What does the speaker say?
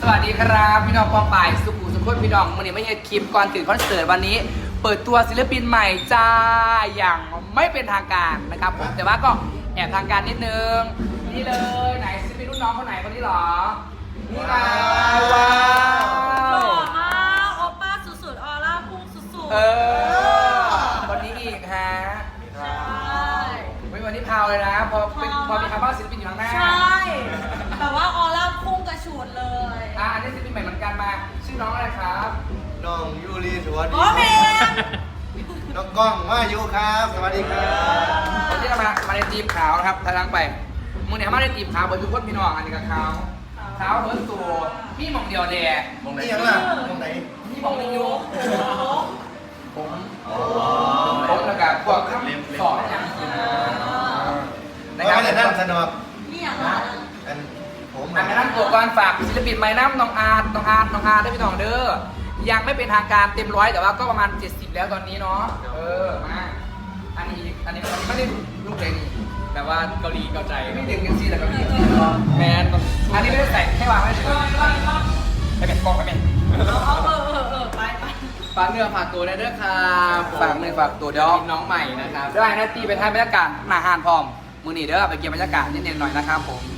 วัสดีครับพี่น้องปองป่ายสุขุสุขนพี่น้องวันนี้ไม่ใช่คลิปก่อนถึงคอนเสิร์ตวันนี้ เปิดตัวศิลปินใหม่จ้าอย่างไม่เป็นทางการนะครับผมแต่ว่าก็แอบทางการนิดนึงนี่เลยไหนศิลปินรุ่นน้องคนไหนคนนี้หรอนี่ไงว้าหล่วอมากโอป้าสุดๆออร่าพุ่งสุดๆคนนี้อีกฮะใช่ไม่วันนี้พาวเลยนะพอมีคำว่าศิลปินอยู่ข้างหน้าใช่แต่ว่าออร่าพุ่งกระฉูดเลยอันนี้ศิลปินใหม่เหมือนกันมาชื่อน้องอะไรครับน้องยูรีสวัสดีโอ้เมนน้องกล้องว่ายูครับสวัสดีครับวันนี้เรามาในทีมขาวนะครับทางไปมึงเนี่ยมาในทีมขาวเบอร์ทุกคนพี่น้องอันนี้กับขาวขาวเบอร์ตัวพี่หมองเดียวแดงมองไหนยังล่ะมองไหนพี่หมองไม่ยุ่ผมแล้วกับพวกข้ามสอบอย่างนี้นะคไม่รับได้นั่งสนอกนี่อย่างไรอันผมอันนั้นตัวก่อนฝากศิลปินใหม่น้ำน้องอาร์ได้พี่น้องเด้อยังไม่เป็นทางการเต็มร้อยแต่ว่าก็ประมาณ70แล้วตอนนี้เนาะมาอันนี้ไม่ได้ลูกเพลงนี่แต่ว่าเกาหลีเกาใจไม่ดึงกันซี่แต่เกาหลีแมนอันนี้ไม่ได้ใส่แค่วางไว้เฉยไปเป็นกล้องไปเป็นไปฝากเนื้อฝากตัวได้ด้วยครับฝากเนื้อฝากตัวเดี๋ยวน้องใหม่นะครับได้นะตีไปถ่ายบรรยากาศหน้าห้านพร้อมมือหนีเด้อไปเก็บบรรยากาศนิดๆหน่อยนะครับผม